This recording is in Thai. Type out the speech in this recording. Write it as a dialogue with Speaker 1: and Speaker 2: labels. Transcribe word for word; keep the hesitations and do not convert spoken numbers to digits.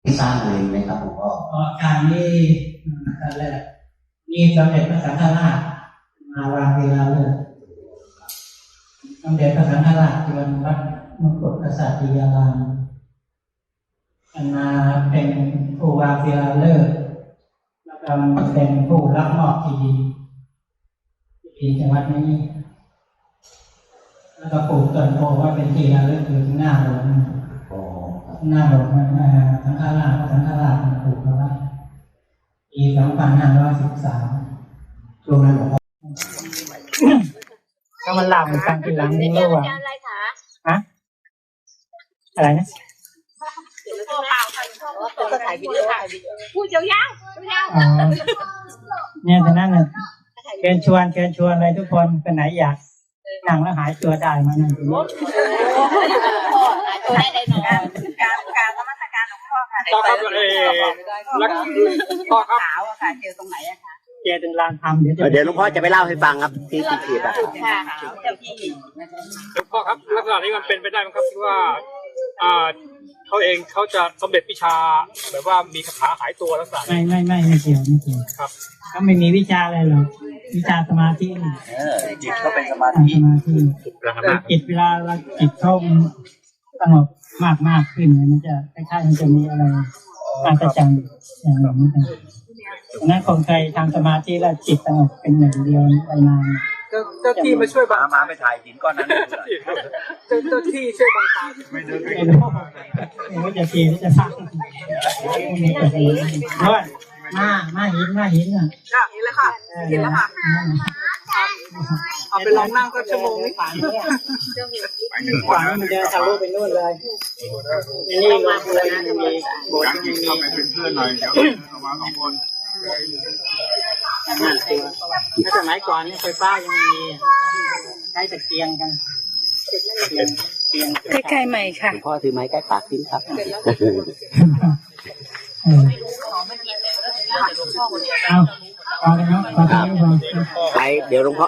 Speaker 1: ที่สร้างเองไหมครับหลวงพ่อ
Speaker 2: อาการนี้การแรกมีสมเด็จพระสังฆราชมาวางเวลาเลยสมเด็จพระสังฆราชที่วัดมกุฎกษัตริยารามมาเป็นผู้วางเวลาเลิกแล้วก็เป็นผู้รับมอบที่ดินที่ดินจังหวัดนี้แล้วก็ปลูกต้นโพไว้เป็นที่ระลึกอยู่ที่หน้าโบสถ์หน้าโบสถ์นั้นสังฆราชพระสังฆราชปลูกเอาไว้ปีสองพันห้าร้อยสิบสามช่วงนั้นหลวงพ่อก็มันหลับเหมือนกันทีหลังนี่รู้ว่าฮะอะไรนะ
Speaker 3: พ่อเปล่าค่ะพ่อก็ถ่ายวิดีโอถ่ายวิดีโอพูดยาวๆยาวๆ
Speaker 2: อ๋อเนี่ยแต่นั้นเนี่ยเชิญชวนเชิญชวนเลยทุกคนเป็นไหนอยากนั่งแล้วหายตัวได้มานั่งตรงนี้
Speaker 3: พ่อหายตัวได้ได้หน่อยการการนมัสการหลวงพ่อค่ะ
Speaker 4: พ่อครับเออแล้วพ่อครับ
Speaker 3: ขาวอะค่ะเจอตรงไหนอะคะ
Speaker 2: เจอตรงลานธรรมเดี๋ยวจะ
Speaker 1: เดี๋ยวหลวงพ่อจะไปเล่าให้ฟังครับที่ที่ขีดอะ
Speaker 3: ค่ะเจ้าพี่
Speaker 4: หลวงพ่อครับลักษณะนี้มันเป็นไปได้ไหมครับที่ว่าอ่าเขาเองเขาจะสำเร็จวิชาแบบว่ามีคาถาหายตัวลักษณะ
Speaker 2: ไม่ไม่ไม่ไม่เกี่ยวไม่เกี่ยว
Speaker 4: ครับ
Speaker 2: เขาไม่มีวิชาอะไรหรอกวิชาสมาธินี่
Speaker 1: จิตเขาเป็นสมา
Speaker 2: อ่า
Speaker 1: ธิ
Speaker 2: สมาธิแต่จิตเวลาเราจิตเข้าสงบมากมากขึ้นเนี่ยมันจะคล้ายๆมันจะมีอะไรอาจารย์อย่างนี้นดังนั้นคนใครทำสมาธิแล้วจิตสงบเป็นหนึ่งเดียวไปนาน
Speaker 4: เจ้าเจ้าที่มาช่วยบัง
Speaker 1: มาไปถ่ายหินก้อนนั้น
Speaker 4: เจ้าเจ้าที่ช่วยบังตา
Speaker 2: ไม่รู้ไม่รู้จะทีหรือจะฟังเพราะว่ามามาหินมาหินอ่ะ
Speaker 3: ค่ะเห็นแล้วค่ะเห็นแล้วค่ะ
Speaker 4: เอาไปลองนั่งก็ชั่วโมงนี้
Speaker 2: ฝันเนี่ยฝันมันจะทะลุไปนู่นเลยนี่ลงเลยมันมีโบสถ์มันมี
Speaker 5: เป็นเพื่อนหน่อยเดี๋ยวเอามาสองคน
Speaker 2: นั่นเองถ้าสมัยก่อนนี่ไฟฟ้ายังมีใช้ตะเกียงกันเกียง
Speaker 3: ใกล้ๆใหม่ค่ะ
Speaker 1: หลวงพ่อถือไม้ใกล้ปากทิ้งครับ
Speaker 2: เออเอาเอาเลยเนาะขอโทษด้วย
Speaker 1: ไปเดี๋ยวหลวงพ่อ